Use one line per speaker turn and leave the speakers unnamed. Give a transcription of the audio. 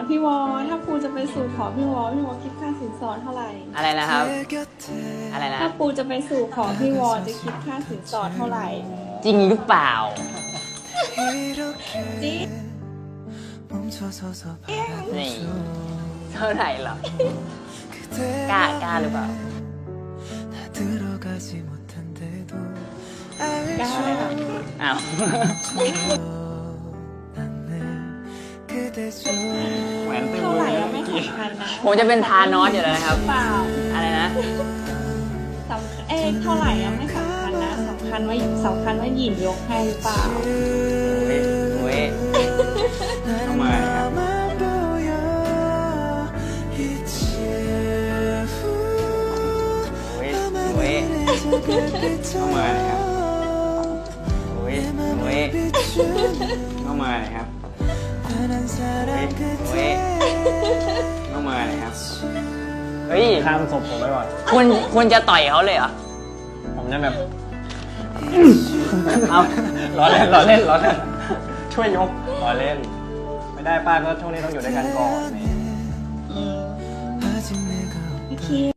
พี่วอถ้าปูจะไปสู่ขอพี่วอคิดค่าสินสอดเท่าไหร่
อะไรนะครับอะไรนะ
ถ้าปูจะไปสู่ขอพี่วอจะคิดค่าสินสอดเท่าไหร่
จริงหรือเปล่า
จริง
นี่เท่าไหร่หรอกล้าหรือเปล่าก
ล้าเลยค่ะ
อ้าว
เท่าไหร่อะไม่สำคัญนะ
ผมจะเป็นทานอสอยู่แล้วนะครับ
เปล่า
อะไรนะ
เท่าไหร่อะไม่สำคัญนะสำคัญว่าหยินยกให้หรือเปล่า
เว้ยทำไมครับเว้ยเข้ามาเลยครับเว้ยเข้ามาเลยครับเว้ยเข้ามาเลยครับเฮ้ย
ข้ามศพผมไปก่อน
คุณจะต่อยเขาเลยเหรอ
ผมจะแบบ
เอา
ล้อเล่นช่วยยกล้อเล่นไม่ได้ป้าก็ช่วงนี้ต้องอยู่ด้วยกันก่อน
โอเค